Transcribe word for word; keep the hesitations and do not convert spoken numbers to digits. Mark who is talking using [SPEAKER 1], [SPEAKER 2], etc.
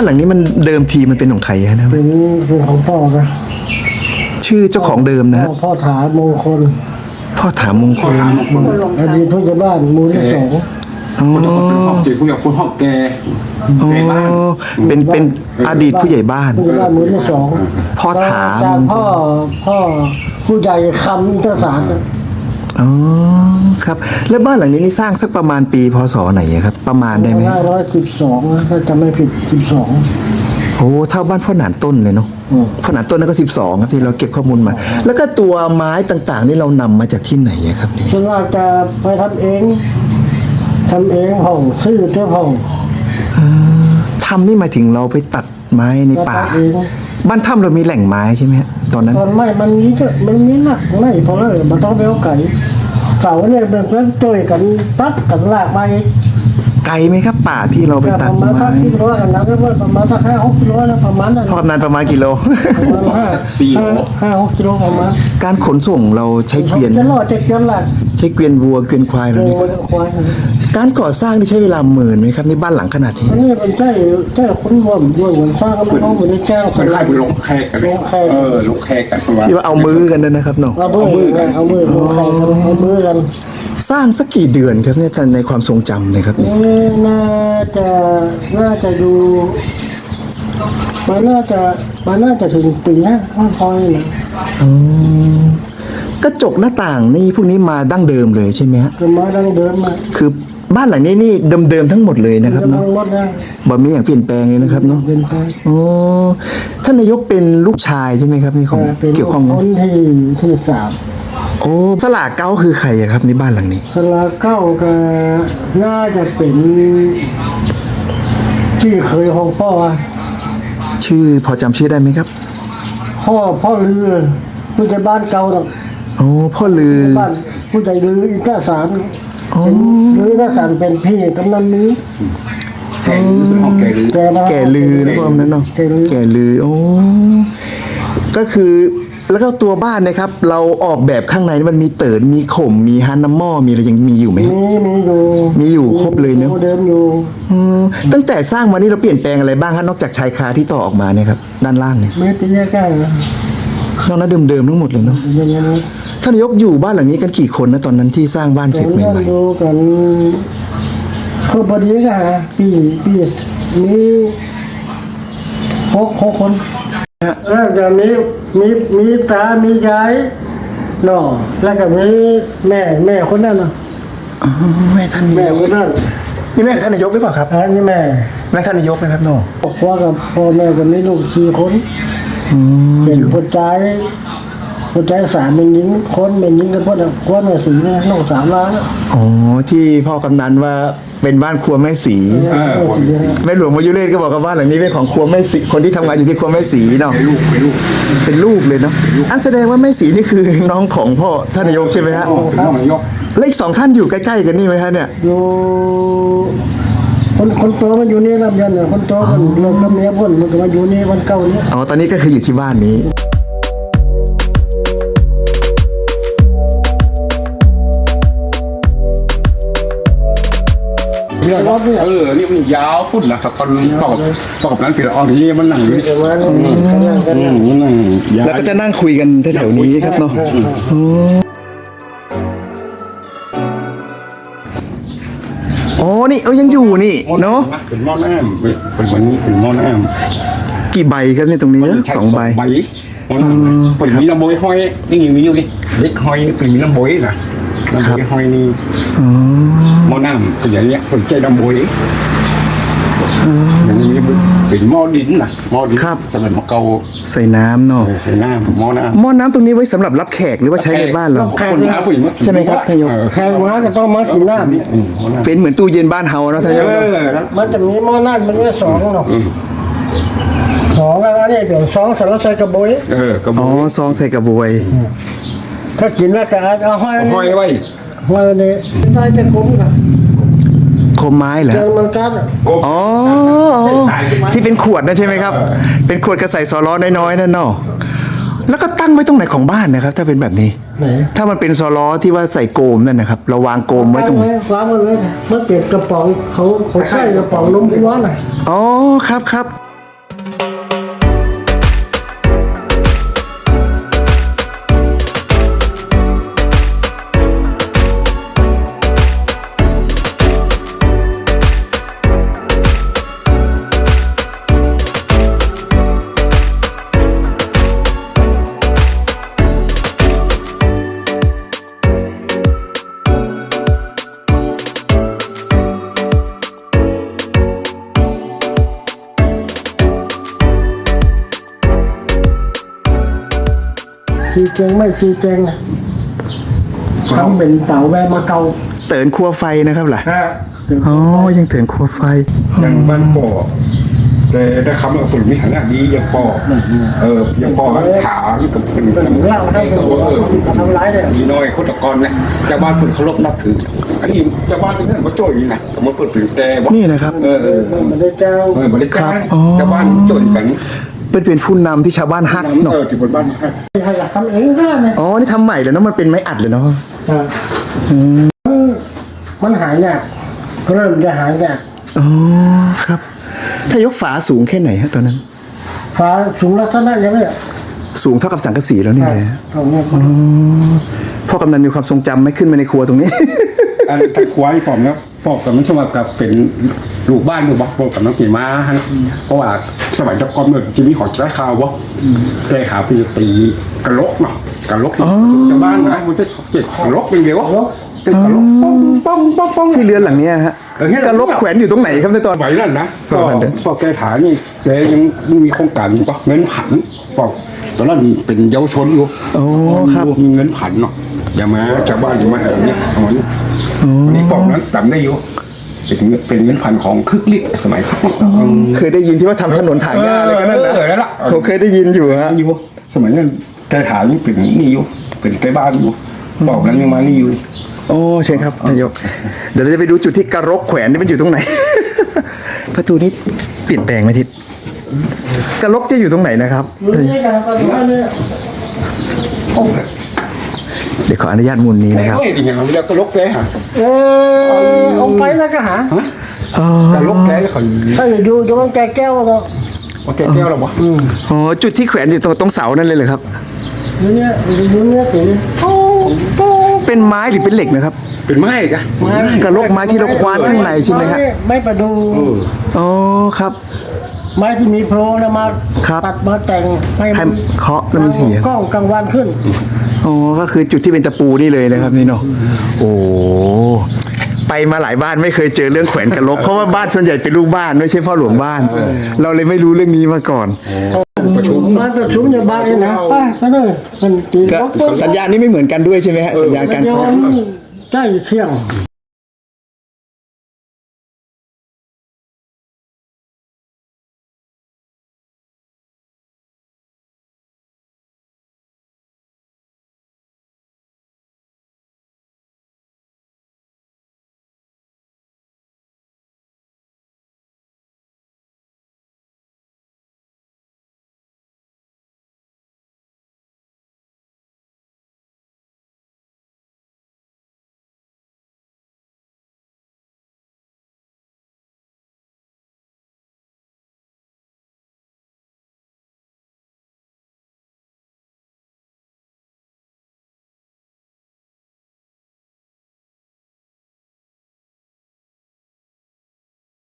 [SPEAKER 1] านหลังนี้มันเดิมทีมันเป็นของใครนะ
[SPEAKER 2] เป็นเป็นของพ่อนะ
[SPEAKER 1] ชื่อเจ้าของเดิมนะ
[SPEAKER 2] พ่อถามงคล
[SPEAKER 1] พ่อถามมงคล
[SPEAKER 2] อดีตผู้ใหญ่บ้านหมู่ที่สอง
[SPEAKER 1] อ๋อ
[SPEAKER 3] จีผู้ใหญ่ผู้ห้องแก
[SPEAKER 1] อ๋อเป็นเป็นอดีตผู้ใหญ่บ้าน
[SPEAKER 2] ผู้ใหญ่บ้านหมู่ที่สอง
[SPEAKER 1] พ่อถาม
[SPEAKER 2] พ่อพ่อผู้ใหญ่คำอินทศาสตร์
[SPEAKER 1] อ๋อครับแล้วบ้านหลังนี้นี่สร้างสักประมาณปีพศไหนครับประมาณได้ไหม
[SPEAKER 2] ห้าร้อยสิบสองถ้าจำไม่ผิดสิบสอง
[SPEAKER 1] โอ้เท่าบ้านพ่อหนานต้นเลยเนาะพ่อหนานต้นนั่นก็สิบสองครับที่เราเก็บข้อมูลมาแล้วก็ตัวไม้ต่างๆนี่เรานำมาจากที่ไหนครับนี่
[SPEAKER 2] ส่วนมากจะไปทำเองทำเองห้องซื้อเจ้าห้อง
[SPEAKER 1] ทำนี่หมายถึงเราไปตัดไม้ในป่าบ้านถ้ำเรามีแหล่งไม้ใช่ไหมตอนนั้น
[SPEAKER 2] ตอนไม่มันนี้ก็มันนี้หนักไม่พอเลยมันต้องไปเอาไก่เสาเนี่ยเป็นเพื่อนช่วยกันตัดกันลากไป
[SPEAKER 1] ไกลไหมครับป่าที่เราไปตัดไม้
[SPEAKER 2] ประมาณกิโลนะประมาณสักห้าหกกิโลนะประมาณนั้น
[SPEAKER 1] ทอดนานประมาณกิโล
[SPEAKER 3] สี่โล
[SPEAKER 2] ห้าหกกิโลประมาณ
[SPEAKER 1] การขนส่งเราใช้เกวียน
[SPEAKER 2] จะรอดจะเกวียนหลัก
[SPEAKER 1] ใช้เกวียนวัวเกวียนควายเราเนี่ยการก่อสร้างนี่ใช้เวลาหมื่นไหมครับในบ้านหลังขนาดนี้
[SPEAKER 2] อันนี้มันใช่ใช่คนรวมด้วยเหมือนสร้างก็ไม่ต้องเหมือนแจ้ง
[SPEAKER 3] คนไข้ไปลงแขกกันลงแขกเออลงแขกกัน
[SPEAKER 1] ที่ว่าเอามือกันนะครับเนาะ
[SPEAKER 2] เอามือกันเอามือลงแขกเอามือกัน
[SPEAKER 1] สร้างสักกี่เดือนครับเนี่ยในความทรงจำนะครับ
[SPEAKER 2] นี่น่าจะน่าจะดูมันน่าจะมันน่าจะถึงปีนะค่อยๆนะ
[SPEAKER 1] กระจกหน้าต่างนี่พวกนี้มาดั้งเดิมเลยใช่ไหมฮะ
[SPEAKER 2] มาดั้งเดิมมา
[SPEAKER 1] คือบ้านหลังนี้นี่เดิมๆทั้งหมดเลยนะครับเนาะบ่มีอย่างเปลี่ยนแปลงเลยนะครับเนาะโอ้ท่านนายกเป็นลูกชายใช่ไหมครับนี่ของเกี่ยวข้อง
[SPEAKER 2] คนที่ที่สาม
[SPEAKER 1] โอ้สลาเก้าคือใครครับในบ้านหลังนี้
[SPEAKER 2] สลาเก้าก็น่าจะเป็นที่เคยของพ่อ
[SPEAKER 1] ชื่อพอจำชื่อได้ไหมครับ
[SPEAKER 2] พ่อพ่อลือผู้ใหญ่บ้านเก่าหรอก
[SPEAKER 1] โอ้พ่อลือ
[SPEAKER 2] บ้านผู้ใหญ่ลืออินทศาสตร์ลืออินทศาสตร์เป็นพี่กำนันนี้
[SPEAKER 3] แก่ลือแก่ลือ
[SPEAKER 1] แก่ลือนะพ่อนั้นเนาะแก่ลือโอ้ก็คือแล้วก็ตัวบ้านนะครับเราออกแบบข้างในมันมีเติร์ดมีข่มมีฮันน้ำหม้อมีอะไรยังมีอยู่ไหม
[SPEAKER 2] มีมีอยู่
[SPEAKER 1] มีอยู่ครบเลยเนาะ
[SPEAKER 2] เดิมอยู่
[SPEAKER 1] ตั้งแต่สร้างมานี่เราเปลี่ยนแปลงอะไรบ้างครับนอกจากชายคาที่ต่อออกมาเนี่ยครับด้านล่างเนี่ย
[SPEAKER 2] ไม่เป็นแค่
[SPEAKER 1] นอกนั้นเดิมๆทั้งหมดเลยเนาะท่านนายกอยู่บ้านหลังนี้กันกี่คนนะตอนนั้นที่สร้างบ้านเสร็จใหม่
[SPEAKER 2] ๆดูกันครบพอดีกันปีปีมีหกหกคนแล้วก็มีมีมีตา มียายน้องแล้วก็มีแม่แม่คนนั้นเนาะ
[SPEAKER 1] แม่ท่าน
[SPEAKER 2] แม่คนนั้น
[SPEAKER 1] นี่แม่ท่านนายกหรือเปล่าครับ
[SPEAKER 2] อันนี้แม่
[SPEAKER 1] แม่ท่านนายกนะครับน้อง
[SPEAKER 2] พ่อกับพ่อแม่ก็มีลูกสี่คนเป็นคนใจคนใจสามเป็นหญิงคนเป็นหญิงกับพ่อพ่อแม่สีนะน้องสามล้าน
[SPEAKER 1] อ๋อที่พ่อกำนันว่าเป็นบ้านครัวแม่สีแม่หลวงมายุเรศก็บอกกับบ้านหลังนี้เป็นของครัวแม่สีคนที่ทำงานอยู่ที่ครัวแม่สีเนาะ
[SPEAKER 3] เป็นลูกเป็นลูก
[SPEAKER 1] เป็นลูกเลยเนาะอันแสดงว่าแม่สีนี่คือน้องของพ่อท่านนายกใช่ไหมฮะ
[SPEAKER 3] เป็นน้องนายก
[SPEAKER 1] แล้วอีกสองท่านอยู่ใกล้ๆกันนี่ไหมฮะเนี่ย
[SPEAKER 2] อยู่คนคนโตมันอยู่นี่รับยันเนี่ยคนโตมันเลิกกับเมียพ่นมันก็มาอยู่นี่วันเก่านี้
[SPEAKER 1] อ๋อตอนนี้ก็คืออยู่ที่บ้านนี้
[SPEAKER 3] เออนี่มันยาวพุ่นนะครับตอนตอบตอบนั้นปีละออนที่มันนั่งอยู่นี่
[SPEAKER 1] แล้วก็จะนั่งคุยกันแถวๆนี้ครับเนาะอ๋อนี่เออยังอยู่นี่เนาะ
[SPEAKER 3] เป็นหม้อน้ำเป็นวันนี้เป็นหม้อน้
[SPEAKER 1] ำกี่ใบครับเนี่ยตรงนี้สองใบ
[SPEAKER 3] ใบเป็นมีลำโบยห้อยนี่มีอยู่ดิเล็กห้อยเป็นมีลำโบยนะลำโบยห้อยนี่หม้อน้ำเป็นอย่างเงี้ยเป็นใจลำโบยอย่างนี้เป็นหม้อดินนะหม้อดินสำหรับหม้อเกา
[SPEAKER 1] ใส่น้ำเนาะ
[SPEAKER 3] ใส่น้ำหม้อน้
[SPEAKER 1] ำหม้อน้ำตรงนี้ไว้สำหรับรับแขกหรือว่าใช้ในบ้านเรา
[SPEAKER 3] คนน้ำผู้หญิง
[SPEAKER 1] ใช่ไหมครับท่านนายก
[SPEAKER 2] แขกมาก็ต้องมากินน้ำ
[SPEAKER 1] เป็นเหมือนตู้เย็นบ้านเฮานะท่านนายก
[SPEAKER 2] มันจะมีหม้อน้ำมันก็สองเนาะสองแล้วนี่เป็นสองสำหรับใส่กระบวย
[SPEAKER 3] เออกระบวย
[SPEAKER 1] อ๋อซองใส่กระบวย
[SPEAKER 2] ถ้ากินแล้วจะเอาห้อย
[SPEAKER 3] ห้อยไว้
[SPEAKER 2] ห้อยนี่ใช้จะคุ้มครับ
[SPEAKER 1] คมไม้เหรอ
[SPEAKER 2] มันกัด
[SPEAKER 1] อ๋อที่เป็นขวดนะใช่ไหมครับเป็นขวดกระใส่ซอล้อน้อยๆนั่นเนาะแล้วก็ตั้งไว้ตรงไหนของบ้านนะครับถ้าเป็นแบบนี้ถ้ามันเป็นซอล้อที่ว่าใส่โกมนั่นนะครับเราวางโกมไว้ตรงไหน
[SPEAKER 2] วางไว้เลยมันเปลี่ยนกระป๋องเขาเขาใส่กระป๋องนมวัวน่ะ
[SPEAKER 1] อ๋อครับครับ
[SPEAKER 2] ชีเจงไม่ชีเจงนะทำเป็นเต่าแวะมาเกา
[SPEAKER 1] เตือนครัวไฟนะครับล่ะ
[SPEAKER 2] ฮะ
[SPEAKER 1] อ๋อยังเตือนครัวไฟ
[SPEAKER 3] อย่างบ้านป่อแต่ได้คำว่าคนมีฐานะดีอย่างป่อเอออย่างป่อถามกับคน
[SPEAKER 2] เป็นเล่าได้ก็
[SPEAKER 3] เออ
[SPEAKER 2] ทำร้ายเลย
[SPEAKER 3] มีน้อยคนตะกอนเนี่ยเจ้าบ้านคนเคารพนับถืออันนี้เจ้าบ้านที่นั่นก็โจ้ยนะสมมติเปิดถึงแต่ว่า
[SPEAKER 1] นี่นะครับ
[SPEAKER 3] เออเออ
[SPEAKER 2] มันได้เจ้า
[SPEAKER 3] เออบริการ
[SPEAKER 1] อ๋อ
[SPEAKER 3] เจ้าบ้านโจ้ยกัน
[SPEAKER 1] เป็นเป็นผู้นำที่ชาวบ้านฮัก
[SPEAKER 3] เอ
[SPEAKER 1] เนาะ
[SPEAKER 3] อที่บนบ้านให้
[SPEAKER 2] ใครอยากทำเองก็ได้นะ
[SPEAKER 1] อ๋อนี่ทำใหม่เลยเนาะมันเป็นไม้อัดเลยเนาะ
[SPEAKER 2] อ่ามันหายเนี่ยเริ่มจะหายเนี่ย
[SPEAKER 1] อ๋อครับ ถ้ายกฝาสูงแค่ไหนฮะตอนนั้น
[SPEAKER 2] ฟ้าสูงลักษณะยังไงอ่ะ
[SPEAKER 1] สูงเท่ากับสังกะสีแล้วนี่เลย
[SPEAKER 2] ตรงนี้
[SPEAKER 1] พ่อกำนันมีความทรงจำไหม่ขึ้นมาในครัวตรงนี้
[SPEAKER 3] อันตะควายผมนะปอกกับมันสมัครกับเป็นลูกบ้านอยู่บักปอกกับน้องกี่ม้าฮะเพราะว่าสมัยตะกอนเมื่อจะมีของใช้ข่าววะแกขาไปตีกระโหลกเนาะกระโหลกชาวบ้านนะมันจะเจ็บกระโหลกเป็นเดียววะเจ็บกระโหลกป้องป้องป้องป้อง
[SPEAKER 1] ที่เรือนหลังเนี้ยฮะ
[SPEAKER 3] เออที่
[SPEAKER 1] กระลกแขวนอยู่ตรงไหนครับในตอน
[SPEAKER 3] สมัยนั้นนะ
[SPEAKER 1] สมัยนั้น
[SPEAKER 3] พอแกถานี่แกยังมีโครงการอยู่ปะเงินผันปอกตอนนั้นเป็นเยาวชนอยู่
[SPEAKER 1] โอ้ครับ
[SPEAKER 3] มีเงินผันเนาะอย่ามาชาวบ้านอย่ามาอะไรเนี่ยเอาวันนี้วันนี้ปอกนั้นจำได้อยู่เป็นเงินเป็นเงินผันของคึกฤทธิ์สมัยครับ
[SPEAKER 1] เคยได้ยินที่ว่าทำถนนถางหญ้าอะไรกันนั่นนะ
[SPEAKER 3] เออนั่นแหละ
[SPEAKER 1] เขาเคยได้ยินอยู่ฮะ
[SPEAKER 3] อยู่สมัยนั้นแกถานี่เป็นนี่อยู่เป็นใกล้บ้านอยู่ปอกนั้นยังมานี่อยู่
[SPEAKER 1] โอ้เชิญครับนายก เดี๋ยวเราจะไปดูจุดที่กระรกแขวนนี่มันอยู่ตรงไหน ประตูนี้เปลี่ยนแปลงไหมทิศกระรกจะอยู่ตรงไหนนะครับ
[SPEAKER 2] อยู่นี่กันก็ได้เนี่ย
[SPEAKER 1] เดี๋ยวขออนุญาตมุนนี้นะครับ
[SPEAKER 3] เฮ้ยดิอย่างเราก็ลกแกฮะ
[SPEAKER 2] เออเอาไปแล้วก็หา
[SPEAKER 1] อ๋อ
[SPEAKER 3] ก็ลกแกแล้วเขา
[SPEAKER 2] ถ้าอยู่ตรงนั้นแกแก้วก็
[SPEAKER 3] ว่าแกแก้วหรอวะ
[SPEAKER 1] อ๋อจุดที่แขวนอยู่ตรงตรงเสานั่นเลยเหรอครับ
[SPEAKER 2] อยู่เนี่ยอยู่เนี่ยสิ
[SPEAKER 1] เป็นไม้หรือเป็นเหล็กนะครับ
[SPEAKER 3] เป็นไม้กะ
[SPEAKER 1] กระรกไม้ที่เราคว้านข้างในใช่ไหมฮะ
[SPEAKER 2] ไม่ประดู
[SPEAKER 1] อ๋อครับ
[SPEAKER 2] ไม้ที่มีโพรงนะมา
[SPEAKER 1] ครับ
[SPEAKER 2] ตัดมาแต่งให้
[SPEAKER 1] ให้
[SPEAKER 2] มัน
[SPEAKER 1] เคาะแล้วมีเสียง
[SPEAKER 2] กล้องกลางวันขึ้น
[SPEAKER 1] อ๋อก็คือจุดที่เป็นตะปูนี่เลยนะครับนี่เนาะโอ้ไปมาหลายบ้านไม่เคยเจอเรื่องแขวนกระรกเพราะว่าบ้านส่วนใหญ่เป็นลูกบ้านไม่ใช่พ่อหลวงบ้าน เราเลยไม่รู้เรื่องนี้มาก่อน
[SPEAKER 3] ประชุม
[SPEAKER 2] มาประชุมอยู่บ้านนี่นะไปไปเลยมันตี
[SPEAKER 1] ก็
[SPEAKER 2] ก็ปุ๊บ
[SPEAKER 1] สัญญาณนี้ไม่เหมือนกันด้วยใช่ไหมฮะสัญญาณการ
[SPEAKER 2] ย้อ
[SPEAKER 1] เคาะ
[SPEAKER 2] นใกล้เที่ยง